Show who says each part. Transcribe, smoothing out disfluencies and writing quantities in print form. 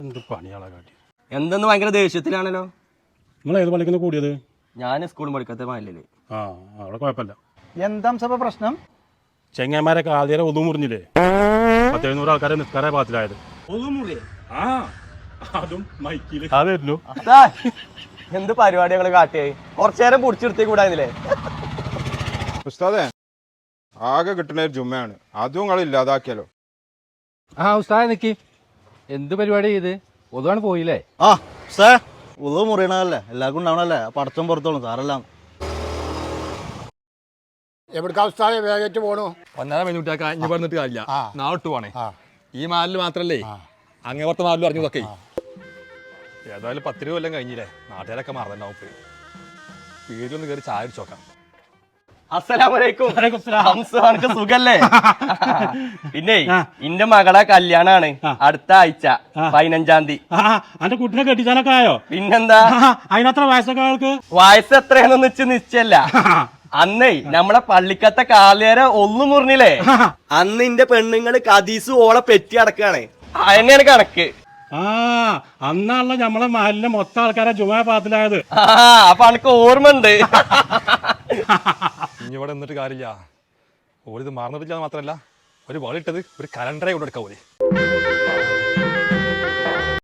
Speaker 1: എന്ത് പണിയാളെ കാട്ടി
Speaker 2: എന്തെന്ന് ഭയങ്കര ദേഷ്യത്തിലാണല്ലോ.
Speaker 1: നിങ്ങൾ ഏത് പള്ളിക്കുന്ന കൂടിയത്?
Speaker 2: ഞാൻ സ്കൂളിൽ പഠിക്കാത്ത മാലില്ലേ.
Speaker 1: ആ അവിടെ കുഴപ്പമില്ല.
Speaker 3: എന്താ സഭ പ്രശ്നം?
Speaker 1: ചെങ്ങന്മാരൊക്കെ ആദ്യം ഒതു മുറിഞ്ഞില്ലേ? 1700 ആൾക്കാരെ നിസ്കാര പാത്തിലായത്. അതും മൈക്കില് അതായിരുന്നു.
Speaker 2: എന്ത് പരിപാടികൾ കാട്ടിയായി കുറച്ചേരം പിടിച്ചെടുത്തേ കൂടായിരുന്നില്ലേ?
Speaker 4: ഉസ്താദേ, ആകെ കിട്ടുന്ന ഒരു ജുമ്മയാണ്, അതും നിങ്ങൾ ഇല്ലാതാക്കിയാലോ?
Speaker 5: ഉസ്താദ് നിക്ക്, എന്ത് പരിപാടി ചെയ്ത് ഒതുവാണ് പോയില്ലേ?
Speaker 3: സാർ ഉള്ളു മുറിയണതല്ലേ, എല്ലാവർക്കും ഉണ്ടാവണല്ലേ, പടച്ചം പുറത്തോളും സാറെല്ലാം.
Speaker 6: എവിടേക്കാ ഉസ്താദേ വേഗറ്റ് പോണു?
Speaker 7: 1.5 മിനിറ്റ് ഇനി പറഞ്ഞിട്ട് കാര്യമില്ല, നാളെ പോണേ. ഈ മാലിൽ മാത്രല്ലേ, അങ്ങേ പുറത്തെ മാലിലും അറിഞ്ഞതൊക്കെ. ഏതായാലും 10 കൊല്ലം കഴിഞ്ഞില്ലേ, നാട്ടുകാരൊക്കെ മറന്നുണ്ടാവും. പോയി വീട്ടിലൊന്ന് കയറി ചായ അടിച്ചു നോക്കാം.
Speaker 2: അസ്സലാമലൈക്കും. സുഖല്ലേ? പിന്നെ ഇന്റെ മകളെ കല്യാണാണ് അടുത്ത ആഴ്ച 15-ാം തീയതി.
Speaker 1: അന്റെ കുട്ടിനെ കെട്ടിച്ചാനൊക്കെ ആയോ?
Speaker 2: പിന്നെന്താ,
Speaker 1: അതിനത്ര വയസ്സൊക്കെ ആൾക്ക്?
Speaker 2: വയസ്സ് എത്രയാണെന്ന് വെച്ച് നിശ്ചയല്ല. അന്നേ നമ്മളെ പള്ളിക്കത്തെ കാലേരെ ഒന്നു മുറിഞ്ഞില്ലേ, അന്ന് ഇന്റെ പെണ്ണുങ്ങള് കദീസ് ഓളെ പെറ്റി അടക്കാണ്. അതിനാണ് കണക്ക്.
Speaker 1: അന്നാണല്ലോ നമ്മളെ മാലിലെ മൊത്തം ആൾക്കാരെ ജുമാ പാത്തിലായത്.
Speaker 2: അപ്പൊ അനക്ക് ഓർമ്മ ഉണ്ട്.
Speaker 7: ഇനി ഇവിടെ നിന്നിട്ട് കാര്യമില്ല. ഓരിത് മറന്നിട്ടില്ല മാത്രമല്ല, ഒരു വളിട്ടത് ഒരു കലണ്ടറെ കൊണ്ടെടുക്കാൻ പോലെ.